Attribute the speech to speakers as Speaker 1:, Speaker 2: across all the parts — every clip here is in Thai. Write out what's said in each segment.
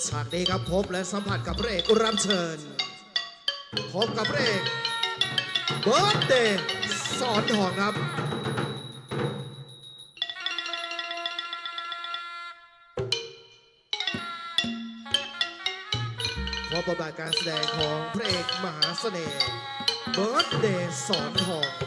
Speaker 1: ฉากนี้ครับพบและสัมผัสกับพระเอกรับเชิญพบกับพระเอกเบิร์ดเดย์สอนทองครับพบบทบาทการแสดงของพระเอกมหาเสน่ห์เบิร์ดเดย์สอนทอง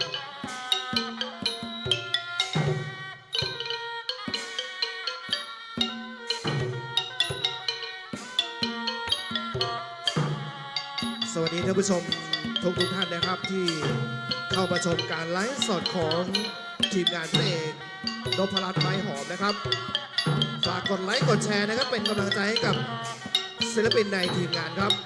Speaker 1: สวัสดีท่านผู้ชมทุกท่านนะครับที่เข้ามาชมการไลฟ์สดของทีมงานพระเอกนพรัตน์ไม้หอมนะครับฝากกดไลค์กดแชร์นะครับเป็นกำลังใจให้กับศิลปินในทีมงานครับ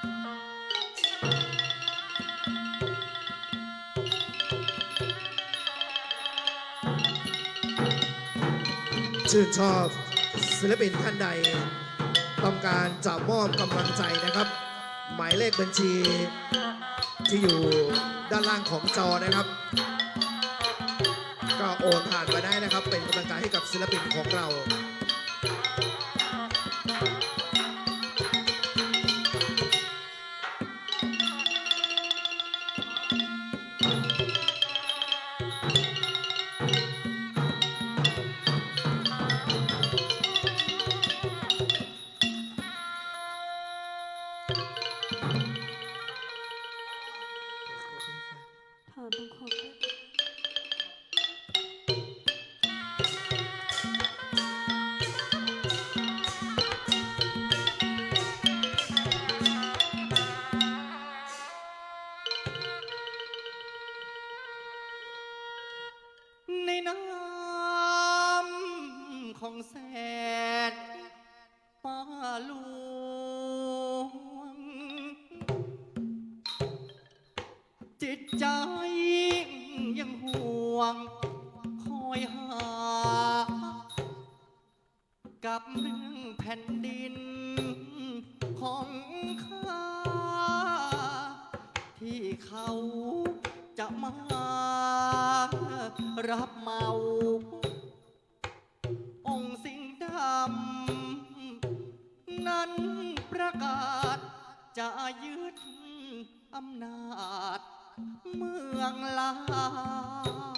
Speaker 1: ชื่นชอบศิลปินท่านใดต้องการจะมอบกำลังใจนะครับหมายเลขบัญชีที่อยู่ด้านล่างของจอนะครับก็โอนผ่านมาได้นะครับเป็นกำลังใจให้กับศิลปินของเรา
Speaker 2: ถอดบังคมด้วย
Speaker 3: ในน้ำของแสนป้าหลวงจิตใจยังห่วงคอยหากับเรื่องแผ่นดินของข้าที่เขาจะมารับเมาองค์สิงห์ดำนั้นประกาศจะยึดอำนาจเมืองลาว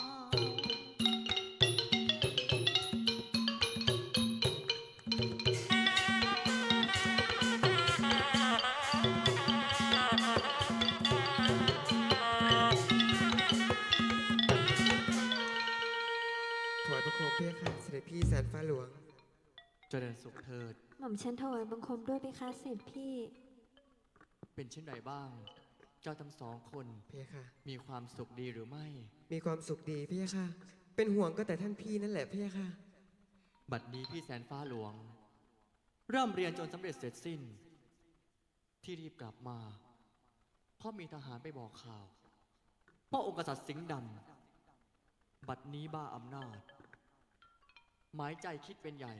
Speaker 4: ถวายบังคมเพียค่ะเสด็จพี่แสนฟ้าหลวง
Speaker 3: เจริญสุขเถิด
Speaker 2: หม่อมฉันถวายบังคมด้วยเพคะเสด็จพี่
Speaker 3: เป็นเช่นไรบ้าง เจ้าทั้งสองคน
Speaker 4: เพียค่ะ
Speaker 3: มีความสุขดีหรือไม่
Speaker 4: มีความสุขดีเพียค่ะ เป็นห่วงก็แต่ท่านพี่นั่นแหละเพียค่ะ
Speaker 3: บัดนี้พี่แสนฟ้าหลวง เริ่มเรียนจนสำเร็จเสร็จสิ้น ที่รีบกลับมา เพราะมีทหารไปบอกข่าวว่าองค์กษัตริย์สิงห์ดำบัดนี้บ้าอำนาจ หมายใจคิดเป็นใหญ่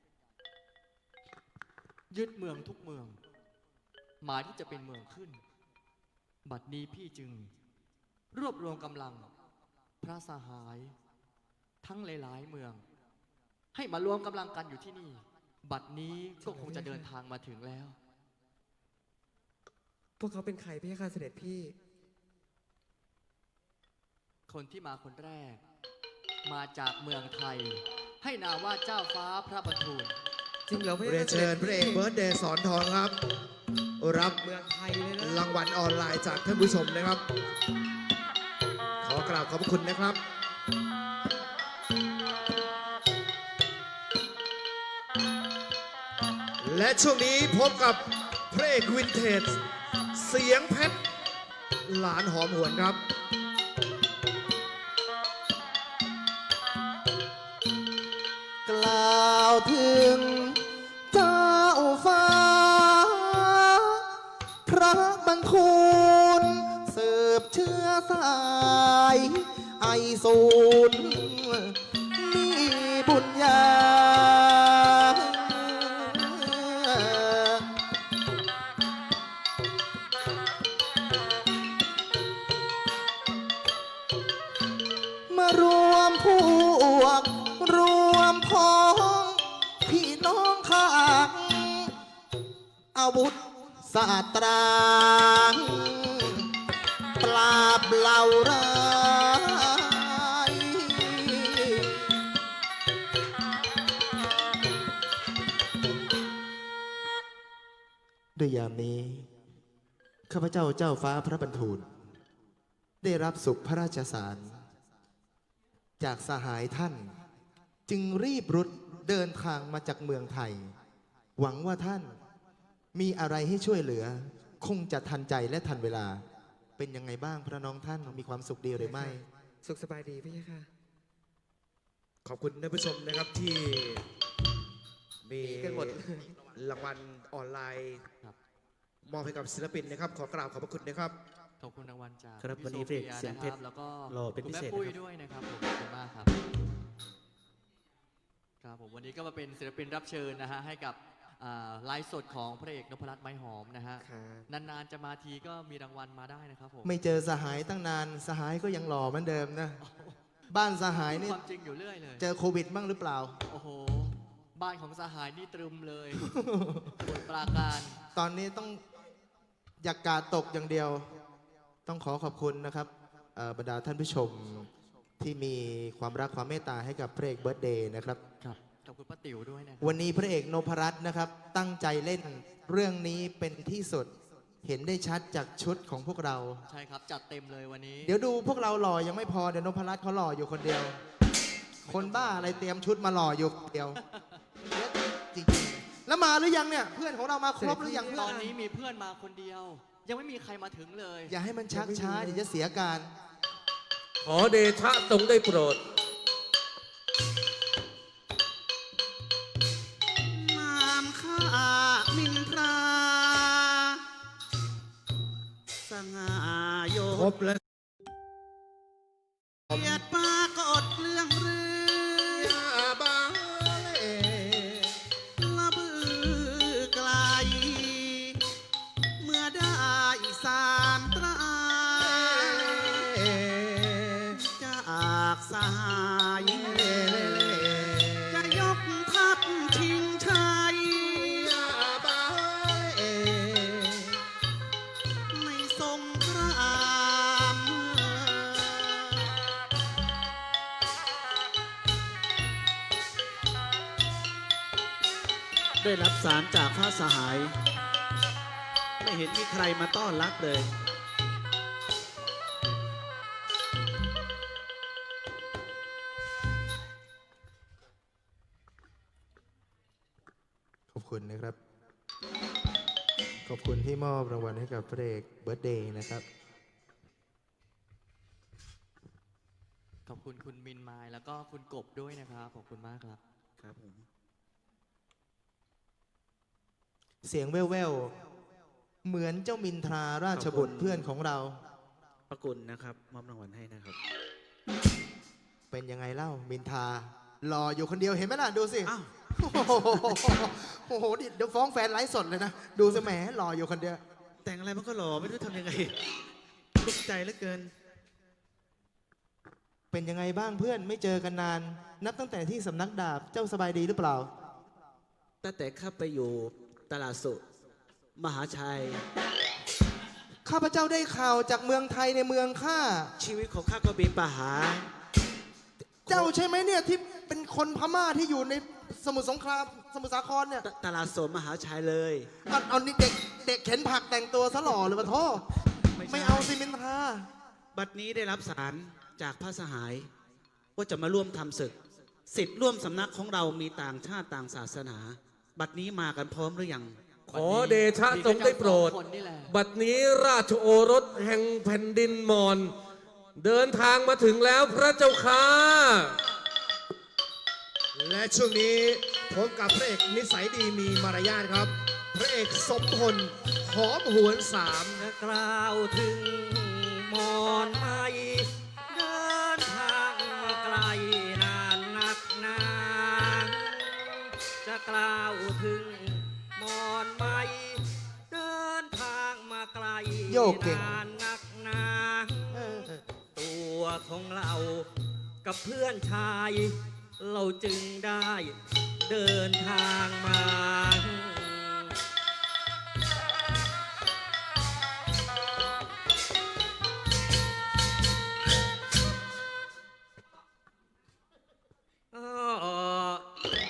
Speaker 3: ยึดเมืองทุกเมือง หมายที่จะเป็นเมืองขึ้น บัดนี้พี่จึง รวบรวมกำลัง พระสหาย ทั้งหลายๆเมือง ให้มารวมกำลังกันอยู่ที่นี่ บัดนี้ก็คงจะเดินทางมาถึงแล้ว
Speaker 4: พวกเขาเป็นใครเพียค่ะเสด็จพี่
Speaker 3: คนที่มาคนแรก มาจากเมืองไทย ให้นามว่าเจ้าฟ้าพระบรรทูล
Speaker 4: จริงเหรอเพีย
Speaker 1: เรียน
Speaker 4: ค่ะ
Speaker 1: เชิญพระเอกเบิร์ดเดย์สอนทองครับรับ
Speaker 4: เมืองไทยเลยนะ
Speaker 1: รางวัลออนไลน์จากท่านผู้ชมนะครับขอกราบขอบพระคุณนะครับ และช่วงนี้พบกับพระเอกวินเทจเสียงเพชรหลานหอมหวนครับ
Speaker 3: กล่าวถึงเจ้าฟ้า พระบรรทูลสืบเชื้อสายไอศูนย์มีบุญญา พ
Speaker 5: อาวุธศาสตราปราบเหล่าร้ายด้วยยามนี้ข้าพเจ้าเจ้าฟ้าพระบรรทูลได้รับสุขพระราชสาร จากสหายท่านจึงรีบรุดเดินทางมาจากเมืองไทย หวังว่าท่านมีอะไรให้ช่วยเหลือ คงจะทันใจและทันเวลา เป็นยังไงบ้างพระน้องท่านมีความสุขดีหรือไม่
Speaker 4: สุขสบายดีพี่ค่ะ
Speaker 1: ขอบคุณท่านผู้ชมนะครับที่มี
Speaker 4: กันหมด
Speaker 1: รางวัลออนไลน์
Speaker 3: ครับ
Speaker 1: มอบให้กับศิลปินนะครับ ขอกราบขอบพระคุณนะครับ
Speaker 3: ขอบคุณรางวัลจาก
Speaker 6: ครับ
Speaker 3: พี่
Speaker 6: วันนี้
Speaker 3: โซฟี
Speaker 6: เพลงเสียงเพชร
Speaker 3: นะครับแล้วก็
Speaker 6: รอเป็น
Speaker 3: คุณ
Speaker 6: พิ
Speaker 3: แม่
Speaker 6: เศษ
Speaker 3: ปุ้ย
Speaker 6: นะครับ
Speaker 3: ด้วยนะครับผมขอบคุณมากครับครับผมวันนี้ก็มาเป็นศิลปินรับเชิญนะฮะให้กับไลฟ์สดของพระเอกนพรัตน์ไม้หอมนะฮะ
Speaker 4: ครับ
Speaker 3: นานๆจะมาทีก็มีรางวัลมาได้นะครับผม
Speaker 5: ไม่เจอสหายตั้งนานสหายก็ยังหล่อเหมือนเดิมนะ บ้านสหายนี่
Speaker 3: ความจริงอยู่เรื่อยเลย
Speaker 5: เจอโควิดบ้างหรือเปล่า
Speaker 3: โอ้โหบ้านของสหายนี่ตรึมเลยสมุทรปราการ
Speaker 5: ตอนนี้ต้องอยากกาดตกอย่างเดียว ต้องขอขอบคุณนะครับบรรดาท่านผู้ชมที่มีความรักความเมตตาให้กับพระเอกเบิร์ธเดย์นะครับ
Speaker 3: ครับขอบคุณป้าติ๋วด้วยนะครับ
Speaker 5: วันนี้พระเอกนพรัตน์นะครับ ตั้งใจเล่นเรื่องนี้เป็นที่สุด เห็นได้ชัดจากชุดของพวกเรา
Speaker 3: ใช่ครับจัดเต็มเลยวันนี้
Speaker 5: เดี๋ยวดูพวกเราหล่อยังไม่พอเดี๋ยวนพรัตน์เขาหล่ออยู่คนเดียว คนบ้าอะไรเตรียมชุดมาหล่ออยู่คนเดียวจริงๆแล้วมาหรือยังเนี่ย เพื่อนของเรามาครบหรือยังเพื่
Speaker 3: ต
Speaker 5: อ
Speaker 3: อน นนี้มีเพื่อนมาคนเดียว ยังไม่มีใครมาถึงเลย
Speaker 5: อย่าให้มันชักช้าเดี๋ยวจะเสียการ
Speaker 6: ขอเดชะทรงได้โปรด
Speaker 7: นามข้ามินทราสง่าโย
Speaker 1: ครบแล้ว
Speaker 7: เกียรติปรากฏเรื่องเรือ
Speaker 1: บาเล
Speaker 7: ละบือไกล เมื่อได้สามตราจากสหายจะยกทัพชิงชัย ในสงคราม ได้รับสารจากพระสหาย ไม่เห็นมีใครมาต้อนรับเลย
Speaker 5: ขอบคุณนะครับ ขอบคุณที่มอบรางวัลให้กับพระเอกเบิร์ธเดย์นะครับ
Speaker 3: ขอบคุณคุณมินมายแล้วก็คุณกบด้วยนะครับขอบคุณมากครับ
Speaker 7: ครับผม
Speaker 5: เสียงแว่วๆ เหมือนเจ้ามินทราราชบุตรเพื่อนของเรา
Speaker 7: ประกุลนะครับมอบรางวัลให้นะครับ
Speaker 5: เป็นยังไงเล่ามินทราหล่ออยู่คนเดียวเห็นไหมล่ะ ดูสิ
Speaker 7: อ้าว
Speaker 5: โอ้โหเดี๋ยวฟ้องแฟนไลฟ์สดเลยนะ ดูสิแหมหล่ออยู่คนเดียว
Speaker 7: แต่งอะไรมันก็หล่อไม่รู้ทำยังไงทุกข์ใจเหลือเกิน
Speaker 5: เป็นยังไงบ้างเพื่อนไม่เจอกันนาน นับตั้งแต่ที่สำนักดาบเจ้าสบายดีหรือเปล่า
Speaker 7: ตั้งแต่ข้าไปอยู่ตลาดสุมหาชัย
Speaker 5: ข้าพเจ้าได้ข่าวจากเมืองไทยในเมืองข้า
Speaker 7: ชีวิตของข้าก็มีปัญหา
Speaker 5: เจ้าใช่ไหมเนี่ยที่เป็นคนพม่าที่อยู่ในสมุทรสงครามสมุทรสาครเนี่ย
Speaker 7: ตลาดสดมหาชัยเลย
Speaker 5: เอานี่เด็กเข็นผักแต่งตัวซะหล่อเลยปะโทษ
Speaker 7: ไม่ใช่
Speaker 5: ไม่เอาสิมินทรา
Speaker 7: บัดนี้ได้รับสารจากพระสหาย ว่าจะมาร่วมทำศึกสิทธิ์ร่วมสำนักของเรามีต่างชาติต่างศาสนา บัดนี้มากันพร้อมหรือยัง
Speaker 6: ขอเดชะทรงได้โปรด
Speaker 3: มีแค่สองคนนี่แหละ
Speaker 6: บัดนี้ราชโอรสแห่งแผ่นดินมอญเดินทางมาถึงแล้วพระเจ้าค่ะ
Speaker 1: และช่วงนี้พบกับพระเอกนิสัยดีมีมารยาทครับ พระเอกสมพลหอมหวนสาม
Speaker 8: จะกล่าวถึงมอนไม่เดินทางมาไกลนานนักหนาจะกล่าวถึงมอนไม่เดินทางมาไกล
Speaker 5: โยกเก่ง
Speaker 8: นานนักหนาตัวของเรากับเพื่อนชาย เราจึงได้เดินทางมา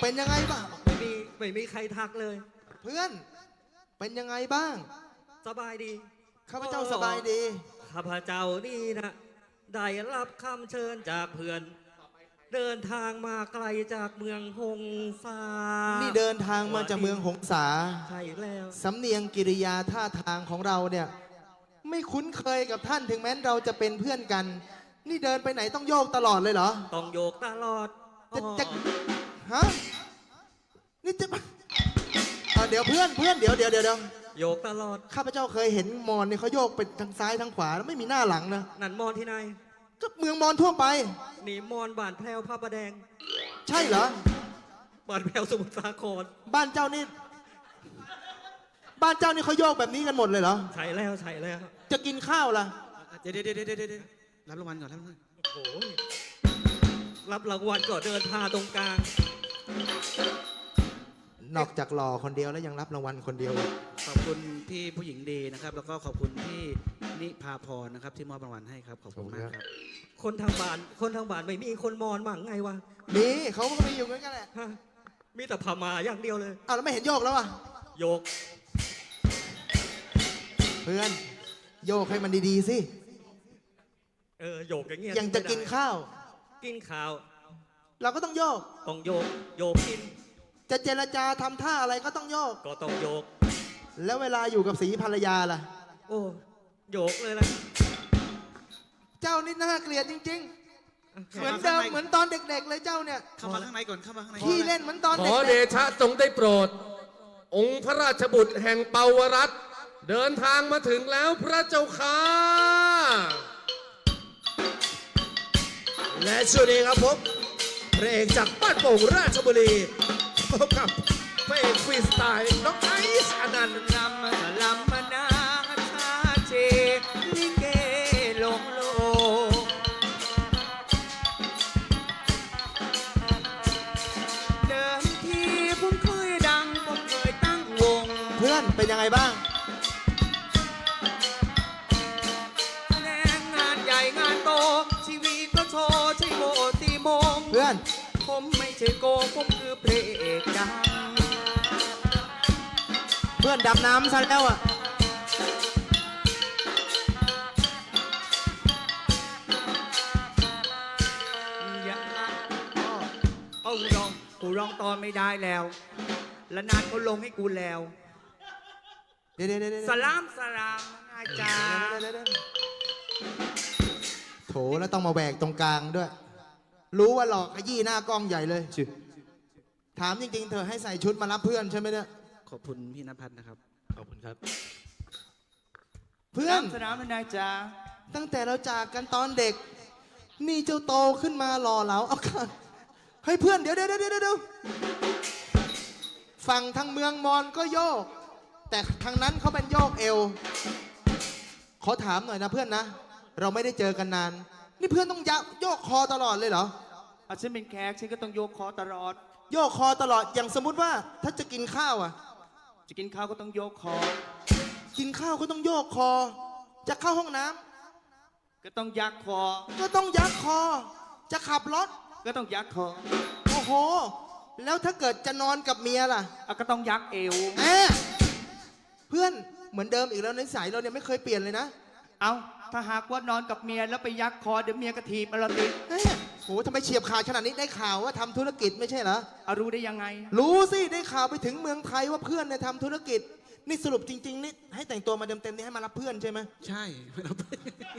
Speaker 5: เป็นยังไงบ้าง
Speaker 8: ไม่มีใครทักเลย
Speaker 5: เพื่อน เป็นยังไงบ้าง
Speaker 8: สบายดี
Speaker 5: ข้าพเจ้าสบายดี
Speaker 8: ข้าพเจ้านี่นะได้รับคำเชิญจากเพื่อน เดินทางมาไกลจากเมืองหงสา
Speaker 5: นี่เดินทางมาจากเมืองหงสา
Speaker 8: ใช่แล้ว
Speaker 5: สำเนียงกิริยาท่าทางของเราเนี่ย ไม่คุ้นเคยกับท่านถึงแม้เราจะเป็นเพื่อนกัน นี่เดินไปไหนต้องโยกตลอดเลยเหรอ
Speaker 8: ต้องโยกตลอด
Speaker 5: จะฮะนี่จะเดี๋ยวเพื่อนเดี๋ยว
Speaker 8: โยกตลอด
Speaker 5: ข้าพเจ้าเคยเห็นมอญเนี่ยเขาโยกไปทางซ้ายทางขวาแล้วไม่มีหน้าหลังนะ
Speaker 8: นั่นมอนที่ไหน
Speaker 5: ก็เมืองมอญทั่วไป
Speaker 8: นี่มอนบ้านแพรวพระประแดง
Speaker 5: ใช่เหรอ
Speaker 8: บ้านแพรวสมุทรสาคร
Speaker 5: บ้านเจ้านี่เขาโยกแบบนี้กันหมดเลยเหรอ
Speaker 8: ใช่แล้วใช่แล้ว
Speaker 5: จะกินข้าวล่ะ
Speaker 7: เดี๋ยวรับรางวัลก่อนรับรางวัล
Speaker 8: โอ้โหรับรางวัลก็เดินพาตรงกลาง
Speaker 5: นอกจากหล่อคนเดียวแล้วยังรับรางวัลคนเดียวอีก
Speaker 7: ขอบคุณพี่ผู้หญิงดีนะครับ แล้วก็ขอบคุณพี่นิพาพรนะครับที่มอบรางวัลให้ครับขอบคุณมากครับ
Speaker 8: คนทางบ้านไม่มีคนมอนมั่งไงวะ
Speaker 5: มีเขาก็มีอยู่เหมือนกันแหละ
Speaker 8: ฮะมีแต่พม่าอย่างเดียวเลย
Speaker 5: อ้าวแล้วไม่เห็นโยกแล้วอ่ะ
Speaker 8: โยก
Speaker 5: เพื่อนโยกให้มันดีๆสิ
Speaker 8: โยกอย่างเงี้ย
Speaker 5: ยังจะกินข้าว
Speaker 8: กินข้าว
Speaker 5: เราก็ต้องโยก
Speaker 8: ต้องโยก โยกกิน
Speaker 5: จะเจรจาทำท่าอะไรก็ต้องโยก
Speaker 8: ก็ต้องโยก
Speaker 5: แล้วเวลาอยู่กับสีภรรยาล่ะ
Speaker 8: โอ้โยกเลยล่ะ
Speaker 5: เจ้านี่น่าเกลียดจริงๆ เหมือนเดิมเหมือนตอนเด็กๆเลยเจ้าเนี่ย
Speaker 7: เข้ามาข้างในก่อนเข้ามาข้างใน
Speaker 5: ขี้เล่นเหมือนตอน
Speaker 6: ข
Speaker 5: เด็
Speaker 6: อเด
Speaker 5: ก
Speaker 6: ชะทรงได้โปรด องค์พระราชบุตรแห่งเปาวรัตน์เดินทางมาถึงแล้วพระเจ้าค่ะ
Speaker 1: และช่วงนี้ครับผมพระเอกจากบ้านโป่งราชบุรีพบกับพระเอกฟรีสไตล์น้องไอซ์อนันต์
Speaker 8: ลำมนาชาเจลิเกลงโลเดิมทีผมเคยดังผมเคยตั้งวง
Speaker 5: ๆ เพื่อนเป็นยังไงบ้าง
Speaker 8: แสดงงานใหญ่งานโต ชีวิตก็โชว์ใช่โบตีโมง
Speaker 5: เพื่อน
Speaker 8: ผมไม่ใช่โกงผมคือพระเอกดัง
Speaker 5: เพื่อนดำน้ำซะแล้วอ่ะ
Speaker 8: อย่าเอากูร้องตอนไม่ได้แล้ว และนานเขาลงให้กูแล้ว
Speaker 5: เดี๋ยว
Speaker 8: สลามอาจารย์
Speaker 5: โถแล้วต้องมาแหวกตรงกลางด้วย รู้ว่าหลอกขยี้หน้ากล้องใหญ่เลยถามจริงๆ เธอให้ใส่ชุดมารับเพื่อนใช่ไหมเนี่ย
Speaker 7: ขอบคุณพี่นภัทรนะครับ
Speaker 3: ขอบคุณครับ
Speaker 5: เพื่อน
Speaker 8: สนามนายจ้า
Speaker 5: ตั้งแต่เราจากกันตอนเด็ก นี่เจ้าโตขึ้นมาหล่อเหลาเอาค่ะให้ยเพื่อนเดี๋ยวฝั่งทางเมืองมอญก็โยก แต่ทางนั้นเขาเป็นโยกเอว ขอถามหน่อยนะเพื่อนนะ เราไม่ได้เจอกันนาน นี่เพื่อนต้องโยกคอตลอดเลยเหรอ
Speaker 8: ฉันเป็นแขกฉันก็ต้องโยกคอตลอด
Speaker 5: โยกคอตลอดอย่างสมมุติว่าถ้าจะกินข้าวอ่ะ
Speaker 8: จะกินข้าวก็ต้องโยกคอ
Speaker 5: กินข้าวก็ต้องโยกคอ จะเข้าห้องน้ำ
Speaker 8: ก็ต้องยักคอ
Speaker 5: ก็ต้องยักคอ จะขับรถ
Speaker 8: ก็ต้องยักคอ
Speaker 5: โอ้โห แล้วถ้าเกิดจะนอนกับเมียล่ะ
Speaker 8: ก็ต้องยักเอว
Speaker 5: แหมเพื่อนเหมือนเดิมอีกแล้วนิสัยเราเนี่ยไม่เคยเปลี่ยนเลยนะ
Speaker 8: เอาถ้าหากว่านอนกับเมียแล้วไปยักคอเดี๋ยวเมียกระถีบเราติด
Speaker 5: แหมโหทำไมเฉียบขาดขนาดนี้ได้ข่าวว่าทำธุรกิจไม่ใช่เหรอ
Speaker 8: รู้ได้ยังไง
Speaker 5: รู้สิได้ข่าวไปถึงเมืองไทยว่าเพื่อนเนี่ยทำธุรกิจ นี่สรุปจริง ๆ นี่ให้แต่งตัวมาเต็มๆนี่ให้มารับเพื่อนใช่ไหม
Speaker 7: ใช่เราไป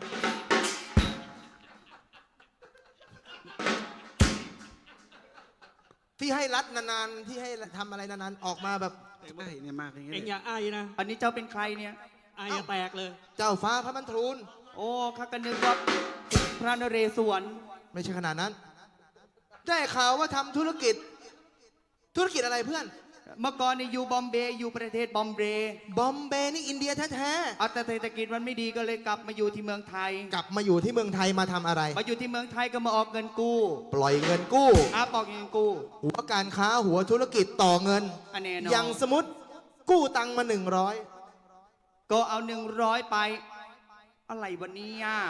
Speaker 5: ที่ให้รัดนานๆที่ให้ทำอะไรนานๆออกมาแบบ
Speaker 7: ใช่เนี่ยมากอย่างเงี้ย
Speaker 8: เอ็งอย่าอายนะ อันนี้เจ้าเป็นใครเนี่ยอายอย่าแตกเลย
Speaker 5: เจ้าฟ้าพระบรรทูล
Speaker 8: โอ้ข้าก็นึกว่าพระนเรศวร
Speaker 5: ไม่ใช่ขนาดนั้น ได้ข่าวว่าทำธุรกิจอะไรเพื่อน
Speaker 8: เมื่อก่อนนี่อยู่บอมเบย์อยู่ประเทศบอมเบย์
Speaker 5: บอมเบย์นี่อินเดียแท้
Speaker 8: แต่เศรษฐกิจมันไม่ดีก็เลยกลับมาอยู่ที่เมืองไทย
Speaker 5: ๆกลับมาอยู่ที่เมืองไทยมาทำอะไร
Speaker 8: มาอยู่ที่เมืองไทยก็มาออกเงินกู้
Speaker 5: ปล่อยเงินกู้
Speaker 8: ปอกเงินกู้
Speaker 5: หัวการค้าหัวธุรกิจต่อเงิน
Speaker 8: อันแน่นอน
Speaker 5: อย่างสมมติกู้ตังค์มา100
Speaker 8: ก็เอา100ไป อะไรวันนี้อ่ะ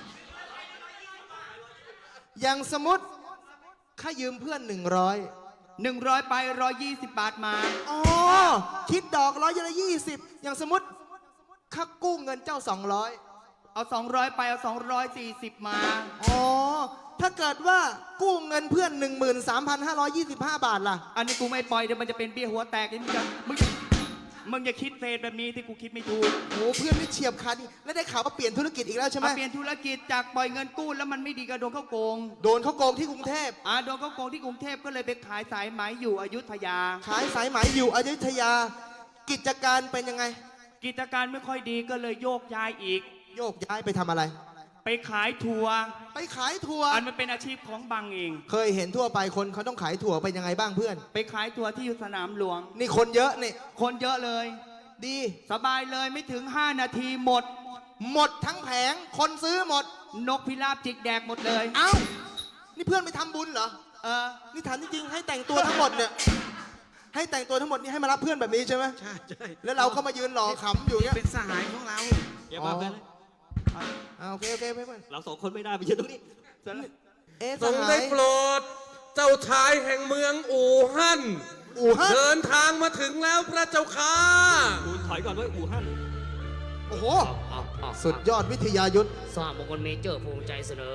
Speaker 5: อย่างสมมติข้ายืมเพื่อน100
Speaker 9: 100 ไป 120 บาทมา
Speaker 5: อ๋อ คิดดอก120อย่างสมมติข้ากู้เงินเจ้า 200
Speaker 9: เอา 200 ไปเอา 240 มา
Speaker 5: อ๋อ ถ้าเกิดว่ากู้เงินเพื่อน 13,525 บาทล่ะ
Speaker 9: อันนี้กูไม่ปล่อยเดี๋ยวมันจะเป็นเบี้ยหัวแตกนี่มึงอย่าคิดเฟดแบบนี้ที่กูคิดไม่ถูก
Speaker 5: โอ้เพื่อนไม่เฉียบคันนี่แล้วได้ข่าวว่าเปลี่ยนธุรกิจอีกแล้วใช่ไหม
Speaker 9: มาเปลี่ยนธุรกิจจากปล่อยเงินกู้แล้วมันไม่ดีก็โดนเข้าโกง
Speaker 5: โดนเขาโกงที่กรุงเทพ
Speaker 9: โดนเข้าโกงที่กรุงเทพก็เลยไปขายสายไหมอยู่อยุธยา
Speaker 5: ขายสายไหมอยู่อยุธยา กิจการเป็นยังไง
Speaker 9: กิจการไม่ค่อยดีก็เลยโยกย้ายอีก
Speaker 5: โยกย้ายไปทำอะไร
Speaker 9: ไปขายทัวร์
Speaker 5: ไปขายถั่ว
Speaker 9: อันมันเป็นอาชีพของบังเอง
Speaker 5: เคยเห็นทั่วไปคนเขาต้องขายถั่วเป็นยังไงบ้างเพื่อน
Speaker 9: ไปขายทัวร์ที่สนามหลวง
Speaker 5: นี่คนเยอะนี่
Speaker 9: คนเยอะเลย
Speaker 5: ดี
Speaker 9: สบายเลยไม่ถึง 5 นาทีหมด
Speaker 5: หมดทั้งแผง คนซื้อหมด
Speaker 9: นกพิราบจิกแดกหมดเลย
Speaker 5: เอ้า นี่เพื่อนไปทำบุญเหรอ นี่ถามจริงๆให้แต่งตัวทั้งหมดเนี่ย ให้แต่งตัวทั้งหมดนี่ให้มารับเพื่อนแบบนี้ใช่ไหม
Speaker 7: ใช่ใช่
Speaker 5: แล้วเราก็มายืนหล่อขำอยู่เงี้ย
Speaker 7: เป็นสหายของเรา
Speaker 8: อย่ามาเพื่อนเลย
Speaker 5: โอเคเพื่อน
Speaker 8: เราสองคนไม่ได้ไปยืนตรงนี้เสร็จแล้ว
Speaker 5: เอ๊ะ
Speaker 6: ท
Speaker 5: ส
Speaker 6: รง
Speaker 5: หา
Speaker 6: ได้
Speaker 5: ย
Speaker 6: โปรด เจ้าชายแห่งเมืองอู่ฮั่น
Speaker 5: อู่ฮั่น
Speaker 6: เดินทางมาถึงแล้วพระเจ้าค่ะ
Speaker 8: กูถอยก่อนด้วยอู่ฮั่น
Speaker 5: โอ้โห สุดยอดวิทยายุทธ
Speaker 10: สร้างมงคลเมเจอร์ภูมิใจเสนอ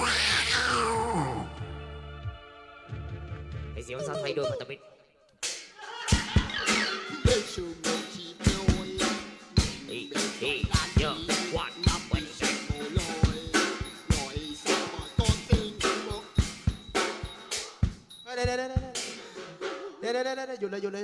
Speaker 10: ไอเสียงภาษาไทยโดยพันธมิตรเฮ้ยเยอะวัดนับวันใจ
Speaker 5: เดี๋ยวหยุดเลย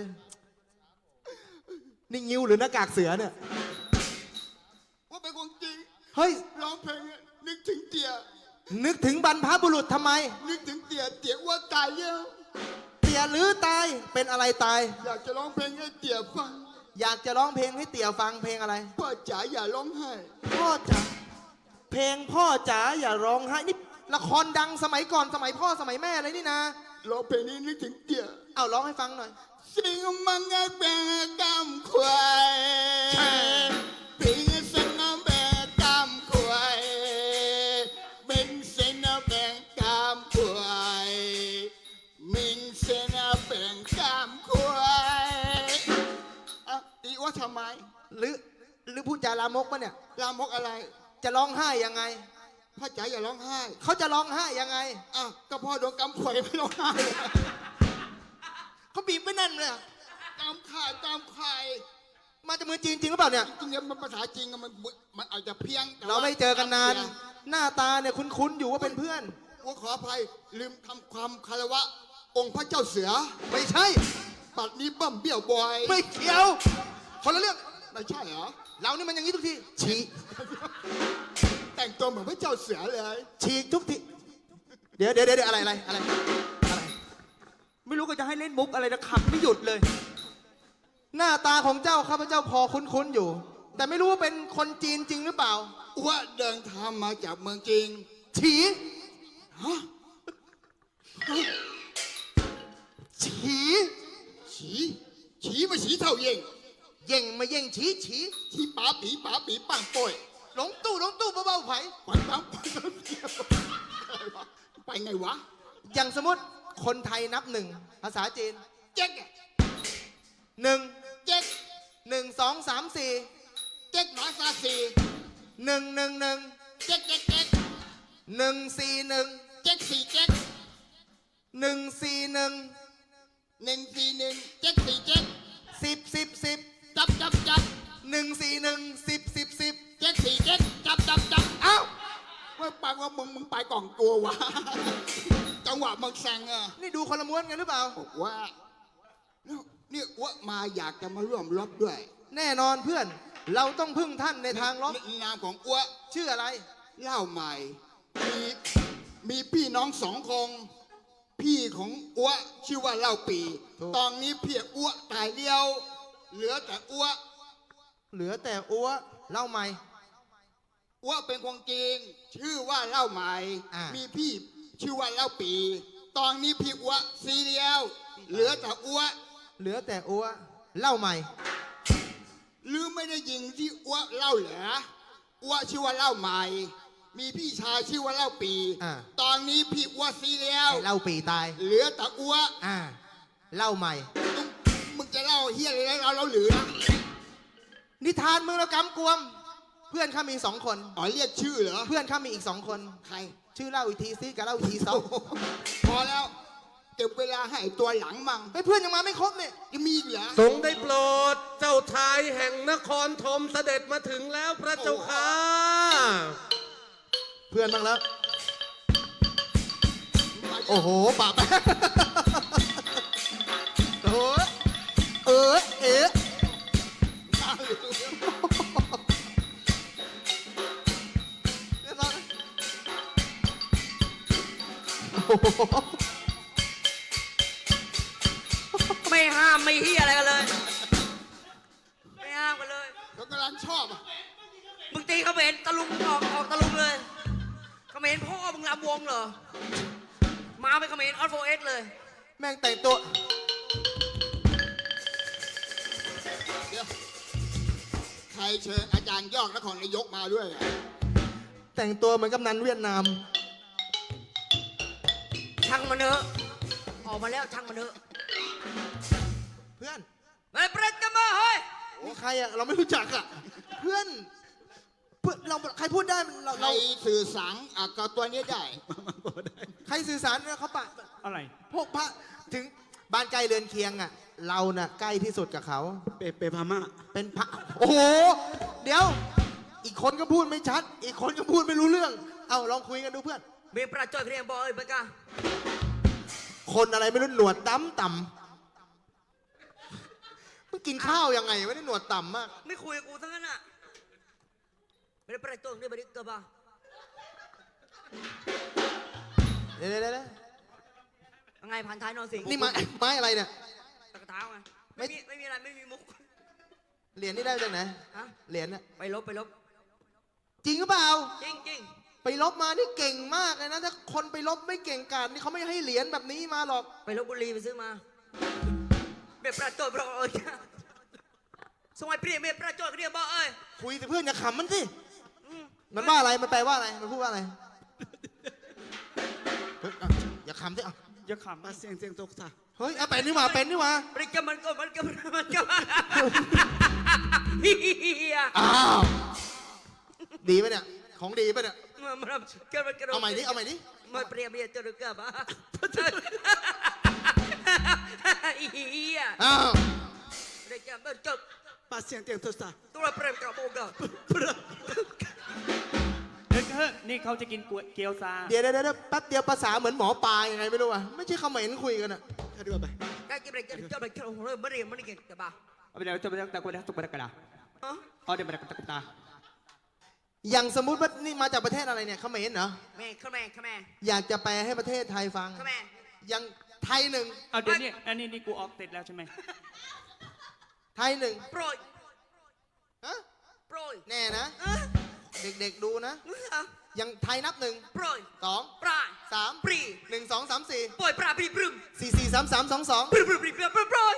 Speaker 5: นี่งิ้วหรือหน้ากากเสือเนี่ย
Speaker 11: ว่าเป็นความจริง
Speaker 5: เฮ้ย
Speaker 11: ร้องเพลงอะนึกถึงเตี่ย
Speaker 5: นึกถึงบรรพบุรุษทำไม
Speaker 11: นึกถึงเตี่ยเตี่ยว่าตายแล้ว
Speaker 5: เตี่ยหรือตาย เป็นอะไรตาย
Speaker 11: อยากจะร้องเพลงให้เตี่ยฟัง
Speaker 5: อยากจะร้องเพลงให้เตี่ยฟังเพลงอะไร
Speaker 11: พ่อจ๋าอย่าร้องไห้
Speaker 5: พ่อจ๋า เพลงพ่อจ๋าอย่าร้องไห้นี่ละครดังสมัยก่อนสมัยพ่อสมัยแม่เลยนี่นะ
Speaker 11: ร้องเพลงนี้นึกถึงเตี่ย
Speaker 5: เอาร้องให้ฟังหน่อย
Speaker 11: สิงมังเป็นกำควายปิงเสนเป็นกำควายเป็นเสนเป็นกำควายมิงเสนเป็นกำควายอ่ะอีว่าทำไม
Speaker 5: หรือพูดจาลามกปะเนี่ย
Speaker 11: ลามกอะไร
Speaker 5: จะร้องไห้ยังไง
Speaker 11: พ่อจ๋าอย่าร้องไห้
Speaker 5: เขาจะร้องไห้ยังไง
Speaker 11: อ้าวก็พ่อโดนกำข่อยไม่ร้องไห้
Speaker 5: เขาบีบไว้แน่นเลยอะ
Speaker 11: กำข่ายกำข่าย
Speaker 5: มาจากเมืองจีนจริงหรือเปล่าเนี่ย
Speaker 11: จริงๆมันภาษาจริงอะมันอาจจะเพี้ยงแต่ว่
Speaker 5: เราไม่เจอกันนาน
Speaker 11: เสีย
Speaker 5: หน้าตาเนี่ยคุ้นๆอยู่ว่าเป็นเพื่อน
Speaker 11: ว่าขออภัยลืมทำความคารวะ องค์พระเจ้าเสือ
Speaker 5: ไม่ใช่
Speaker 11: ปัดนี้บั้มเบี้ยวบอย
Speaker 5: ไม่เกี่ยว คนละเรื่อง
Speaker 11: ไม่ใช่เหรอ
Speaker 5: เรานี่มันอย่างนี้ทุกที ฉีก
Speaker 11: แต่งตัวเหมือนพระเจ้าเสือเลย
Speaker 5: ฉีกทุกที เดี๋ยวอะไร
Speaker 9: ไม่รู้ก็จะให้เล่นมุกอะไรนะขับไม่หยุดเลย
Speaker 5: หน้าตาของเจ้าข้าพเจ้าพอคุ้นๆอยู่ แต่ไม่รู้ว่าเป็นคนจีนจริงหรือเปล่า
Speaker 11: ว่าเดินทางมาจากเมืองจริง
Speaker 5: ฉี
Speaker 11: ฮะ
Speaker 5: ฉี
Speaker 11: ฉีมาฉีเท่าเย่ง
Speaker 5: เย่งมาเย่งฉี
Speaker 11: ฉีป๋าปีปังป่วย
Speaker 5: หลงตู้เบาๆไผ
Speaker 11: ปังปังไปไงวะ
Speaker 5: อย่างสมมติคนไทยนับหนึ่งภาษาจีน
Speaker 11: เจ๊กอะ
Speaker 5: หนึ่ง
Speaker 11: เจ๊ก
Speaker 5: 1 2 3 4
Speaker 11: เจ๊กหมาซาซี
Speaker 5: 1 1 1
Speaker 11: เจ๊ก
Speaker 5: 1 4 1
Speaker 11: เจ๊กสี่เจ๊ก
Speaker 5: 1 4 1
Speaker 11: 141เจ๊กสี่เจ๊ก
Speaker 5: 10
Speaker 11: จับ
Speaker 5: 1 4 1 10
Speaker 11: เจ๊กสี่เจ๊กจับ
Speaker 5: เอ้า
Speaker 11: ว่าปังว่ามึงไปกล่องตัววะ จังหวะมึงแซงอะ
Speaker 5: นี่ดูคนละม้วนกันหรือเปล่า
Speaker 11: บอกว่านี่อ้วมาอยากจะมาร่วมรบด้วย
Speaker 5: แน่นอนเพื่อน เราต้องพึ่งท่านในทางรบ
Speaker 11: นามของอ้ว
Speaker 5: ชื่ออะไร
Speaker 11: เล่าใหม่ มีพี่น้อง2 คน พี่ของอ้วชื่อว่าเล่าปี
Speaker 5: ถูก
Speaker 11: ตอนนี้เพียอ้วตายเดียว เหลือแต่อ้ว
Speaker 5: เหลือแต่อัวเล่าใหม่
Speaker 11: อ้วเป็นคนจริง ชื่อว่าเล่าใหม่
Speaker 5: อ่ามี
Speaker 11: มีพี่ชื่อว่าเล่าปี ตอนนี้พี่อ้วซีเดียว เหลือแต่อ้ว
Speaker 5: เหลือแต่อัวเล่าใหม่
Speaker 11: หรือไม่ได้ยิงที่อ้วเล่าเหรออ้วชื่อว่าเล่าใหม่ มีพี่ชายชื่อว่าเล่าปี
Speaker 5: อ่า
Speaker 11: ตอนนี้พี่อ้วซีแล้ว
Speaker 5: ไอ้เล่าปีตาย
Speaker 11: เหลือแต่อ้ว
Speaker 5: อ่าเล่าใหม่
Speaker 11: มึงจะเล่าเฮียอะไรเราหรือนะ
Speaker 5: นิทานเมืองระกำกวม เพื่อนข้ามีสองคน
Speaker 11: อ๋อเรียกชื่อเหรอ
Speaker 5: เพื่อนข้ามีอีกสองคน
Speaker 11: ใคร
Speaker 5: ชื่อเล่าอีกทีซิกับเล่าอีกทีซอ
Speaker 11: พอแล้วเก็บเวลาให้ตัวหลังมั่ง
Speaker 5: เฮ้ยเพื่อนยังมาไม่ครบเนี่ย
Speaker 11: ยังมีอีกเหรอ
Speaker 6: ทรงได้โปรดเจ้าชายแห่งนครธมเสด็จมาถึงแล้วพระเจ้าค่ะ
Speaker 5: เพื่อนบ้างแล้ว โอ้โหปะแป๊ะโอ้โหเอ๊ะโอ้โห
Speaker 8: ไม่ห้ามไม่เฮียอะไรกันเลย ไม่ห้ามกันเลย
Speaker 11: เขากำลังชอบอ่ะ
Speaker 8: มึงตีเขาเห็นตะลุงออกตะลุงเลยเขาเห็นพ่อมึงรำวงเหรอ มาเป็นเขาเห็นออฟโฟเอสเลย
Speaker 5: แม่งแต่งตัว
Speaker 11: เดี๋ยวใครเชิญอาจารย์ยอกนครนายกมาด้วยอ่ะ
Speaker 5: แต่งตัวเหมือนกำนันเวียดนาม
Speaker 8: ช่างมันเถอะออกมาแล้วช่างมันเถอะ
Speaker 5: เพื่อน
Speaker 8: เฮ้ยเปรตจะมาเฮ้ย
Speaker 5: นี่ใครอะเราไม่รู้จักอะเพื่อนเราใครพูดได้เรา
Speaker 11: ใครสื่อสารกับตัวนี้ได้
Speaker 5: ใครสื่อสารเขาปะ
Speaker 9: อะไร
Speaker 5: พวกพระถึงบ้านใกล้เรือนเคียงอะเราน่ะใกล้ที่สุดกับเขา
Speaker 7: เปพม่า
Speaker 5: เป็นพระโอ้โหเดี๋ยว อีกคนก็พูดไม่ชัด อีกคนก็พูดไม่รู้เรื่อง เอาลองคุยกันดูเพื่อน
Speaker 8: มีประจอยเพียงบอกเอ้ยเบกา
Speaker 5: คนอะไรไม่รู้หนวดต่ำมึงกินข้าวยังไงไม่ได้หนวดต่ำมาก
Speaker 8: ไม่คุยกับกูทั้งนั้นอ่ะไม่ได้ประจอยนี่ไม่ได้เกิดบ้า
Speaker 5: เดี๋ยว
Speaker 8: ยังไงพันท้ายนอนสิง
Speaker 5: นี่ไม้อะไรเนี่ย
Speaker 8: ตะกะเท้าไงไม่มีอะไรไม่มีมุก
Speaker 5: เหรียญนี่ได้จากไหน
Speaker 8: ฮะ
Speaker 5: เหรียญน่ะ
Speaker 8: ไปลบ
Speaker 5: จริงหรือเปล่า
Speaker 8: จริง
Speaker 5: ไปลบมานี่เก่งมากเลยนะ ถ้าคนไปลบไม่เก่งกาจนี่เขาไม่ให้เหรียญแบบนี้มาหรอก
Speaker 8: ไปลบบุรีไปซื้อมาเบียประจอยบอกเอ้ยสมัยเปลี่ยนเบียประจอยเรียกบอกเอ้ย
Speaker 5: คุยแต่เพื่อนอย่าขำมันสิ มันว่าอะไร มันแปลว่าอะไร มันพูดว่าอะไรเฮ้ยอ่ะอย่าขำสิอ่ะ
Speaker 9: อย่าขำ
Speaker 7: ปาเสียงตกท่า
Speaker 5: เฮ้ยเอาเป็นนี่หว่าเป็นนี่หว่า
Speaker 8: บริกรรมมันก็เฮีย
Speaker 5: อ้าว ดีปะเนี่ย ของดีปะเนี่ย
Speaker 8: มัน
Speaker 5: เอาใหม่ดิ เอาใหม่ดิ
Speaker 8: มันเปรียบเบียจะรู้กับอ่ะเฮีย
Speaker 5: อ้าว
Speaker 8: บริกรรมมันจบ
Speaker 7: ปาเสียงตกท่า
Speaker 8: ตัวเปรียบกับโบกะ
Speaker 9: เฮ้ยนี่เขาจะกินเกี๊ยวซา
Speaker 5: เดี๋ยวแป๊บเดียวภาษาเหมือนหมอปลายังไงไม่รู้อ่ะ ไม่ใช่เขมรคุยกันอ่ะ
Speaker 7: ถ้าดูไป
Speaker 8: ได้กินบริกรรมจบไปแค่หัวเรื่องไม่เรียนไม่เก่งกับบ้า
Speaker 9: เอาไปเดี๋ยวจะไปตะกุนตะกุนตะกระดา
Speaker 8: อ๋อ
Speaker 9: เอาเดี๋ยวไปตะกุนตา
Speaker 5: อย่างสมมุติว่านี่มาจากประเทศอะไรเนี่ยเขมรเหรอ
Speaker 8: แม่ข้าแม่
Speaker 5: อยากจะแปลให้ประเทศไทยฟัง
Speaker 8: ข้าแม่
Speaker 5: อย่างไทยหนึ่ง
Speaker 9: เอาเดี๋ยวนี้อันนี้กูออกติดแล้วใช่ไหม
Speaker 5: ไทยหนึ่ง
Speaker 8: โปรย
Speaker 5: ฮะ
Speaker 8: โปรย
Speaker 5: แน่นะ เด็กๆดูนะ อย่างไทยนับหนึ่ง
Speaker 8: โปรย
Speaker 5: สอง
Speaker 8: ปลาย
Speaker 5: สาม
Speaker 8: ปรี
Speaker 5: หนึ่งสองสามสี่
Speaker 8: ปล่อยปลาปรีปรึม
Speaker 5: 4 4 3 3 2 2
Speaker 8: ปรึมโปรย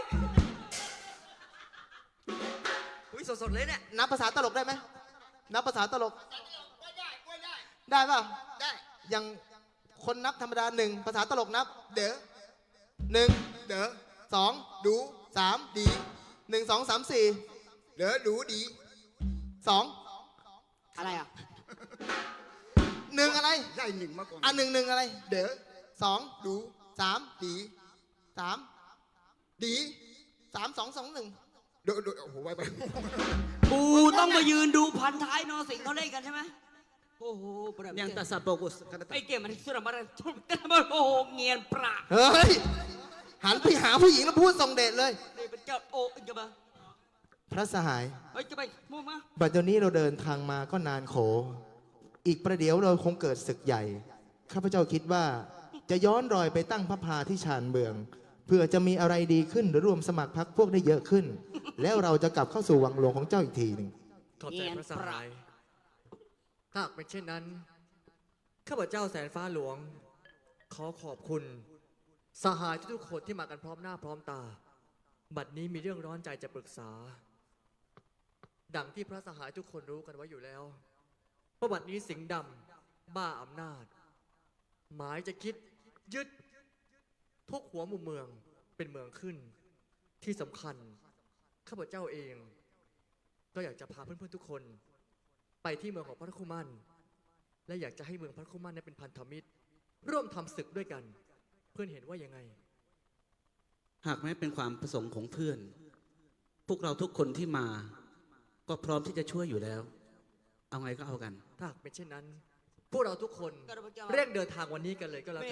Speaker 8: อุ้ยสดๆเลยเนี่ย
Speaker 5: นับภาษาตลกได้ไหมนับภาษาตลก ได้เปล่า
Speaker 11: ได้
Speaker 5: อย่างคนนับธรรมดาหนึ่งภาษาตลกนับ เด๋อหนึ่ง
Speaker 11: เด้อ
Speaker 5: สอง
Speaker 11: ดู
Speaker 5: สาม
Speaker 11: ดี
Speaker 5: หนึ่งสองสามสี่
Speaker 11: เด้อดูดี
Speaker 5: สอง
Speaker 8: อะไรอ่ะ
Speaker 5: หนึ่งอะไร
Speaker 11: ได้หนึ่งมาก่อน
Speaker 5: อ่ะหนึ่งอะไร
Speaker 11: เด้อ
Speaker 5: สอง
Speaker 11: ดู
Speaker 5: สาม
Speaker 11: ดี
Speaker 5: สาม
Speaker 11: ดี
Speaker 5: สามสองสองหนึ่ง
Speaker 11: ดูโอ้โหไวไป
Speaker 8: กูต้องมายืนดูพันท้ายนอสิงเขาเล่นกันใช่ไหมโอ้โห
Speaker 7: ยังตาซาโปกุสกัน
Speaker 8: ไอเกมมันสุดมาทุบกันมาโอ้โหเงียนปรา
Speaker 5: เฮ้ย หันไปหาผู้หญิงแล้วพูดส่งเดชเลย
Speaker 8: นี่เป็นกับโอ้ยกับมา
Speaker 5: พระสหาย
Speaker 8: เฮ้ยจะไปมูมา
Speaker 5: บัดเดี๋ยวนี้เราเดินทางมาก็นานโข อีกประเดี๋ยวเราคงเกิดศึกใหญ่ ข้าพเจ้าคิดว่าจะย้อนรอยไปตั้งพระพาที่ชานเมือง เพื่อจะมีอะไรดีขึ้นหรือรวมสมัครพรรคพวกได้เยอะขึ้น แล้วเราจะกลับเข้าสู่วังหลวงของเจ้าอีกทีหนึ่ง
Speaker 3: ขอบใจพระสหาย ถ้าหากเป็นเช่นนั้น ข้าพเจ้าแสนฟ้าหลวง ขอขอบคุณ สหายทุกๆคนที่มากันพร้อมหน้าพร้อมตา บัดนี้มีเรื่องร้อนใจจะปรึกษา ดังที่พระสหายทุกคนรู้กันไว้อยู่แล้วว่าบัดนี้สิงห์ดำบ้าอำนาจ หมายจะคิดยึดทุกหัวมุมเมืองเป็นเมืองขึ้นที่สำคัญข้าพเจ้าเอง ก็อยากจะพาเพื่อนๆทุกคน ไปที่เมืองของพระคุมันและอยากจะให้เมืองพระคุมันนั้นเป็นพันธมิตร ร่วมทำศึกด้วยกัน เพื่อนเห็นว่ายังไง
Speaker 7: หากแม้เป็นความประสงค์ของเพื่อน พวกเราทุกคนที่มา ก็พร้อมที่จะช่วยอยู่แล้ว เอาไงก็เอากัน
Speaker 3: ถ้าหากเป็นเช่นนั้น พวกเราทุกคนเร่งเดินทางวันนี้กันเลยก็แล้วกัน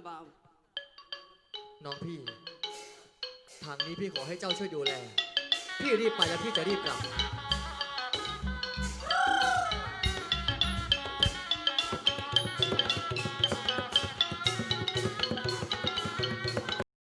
Speaker 3: น้องพี่ ทางนี้พี่ขอให้เจ้าช่วยดูแล พี่รีบไปแล้วพี่จะรีบกลับ